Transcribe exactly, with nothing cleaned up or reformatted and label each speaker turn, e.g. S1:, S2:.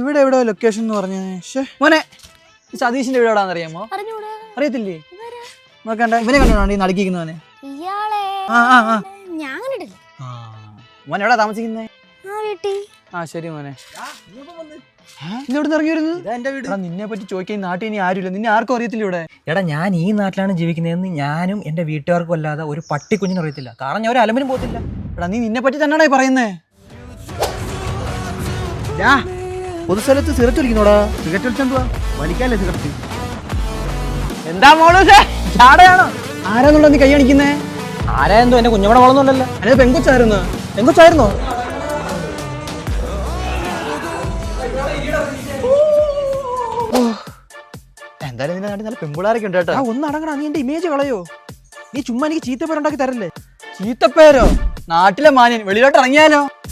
S1: ഇവിടെ എവിടെ ലൊക്കേഷൻ എന്ന് പറഞ്ഞേ? മോനെ, സതീഷിന്റെ വീട് എവിടാന്ന് അറിയാമോ? അറിയത്തില്ലേ? നോക്കണ്ട, ഇവനെ കണ്ടോണ്ട് ഈ നടുക്കിക്കുന്നവനെ. മോനെ എവിടാ താമസിക്കുന്നേ? ആ ശരി മോനെ. ഇറങ്ങി വരുന്നത് നിന്നെ പറ്റി ചോദിക്കാൻ നാട്ടിൽ ഇനി ആരുമില്ല. നിന്നെ ആർക്കും അറിയത്തില്ല ഇവിടെ.
S2: എടാ, ഞാൻ ഈ നാട്ടിലാണ് ജീവിക്കുന്നതെന്ന് ഞാനും എന്റെ വീട്ടുകാർക്കും അല്ലാതെ ഒരു പട്ടി കുഞ്ഞിനും അറിയത്തില്ല. കാരണം ഞാൻ ഒരു അലമ്പിനും പോകത്തില്ല.
S1: എടാ, നീ നിന്നെ പറ്റി തന്നെയാണോ പറയുന്നേ? പൊതുസ്ഥലത്ത് സിഗരറ്റ് വലിക്കുന്നോടാ. സിഗരറ്റ് വലിച്ചോണ്ടുവാ, വലിക്കാല്ലേ സിഗരറ്റ്.
S2: എന്താ മോള് ചാടയാണോ?
S1: ആരാന്നുണ്ടോ നീ കൈ കാണിക്കുന്നേ?
S2: ആരായെന്തോ എന്റെ കുഞ്ഞമ്മടെ മോളൊന്നുമല്ലല്ലോ.
S1: അതായത് പെങ്കൊച്ചായിരുന്നു.
S2: പെങ്കൊച്ചായിരുന്നോ?
S1: എന്തായാലും നിന്റെ നാട്ടിൽ നല്ല പെമ്പിളാരൊക്കെ ഉണ്ട് കേട്ടോ.
S2: ഒന്ന് അടങ്ങടാ, നീ എന്റെ ഇമേജ് കളയോ? നീ ചുമ്മാ എനിക്ക് ചീത്തപ്പേരുണ്ടാക്കി തരല്ലേ?
S1: ചീത്തപ്പേരോ? നാട്ടിലെ മാന്യൻ വെളിയിലോട്ട് ഇറങ്ങിയാലോ?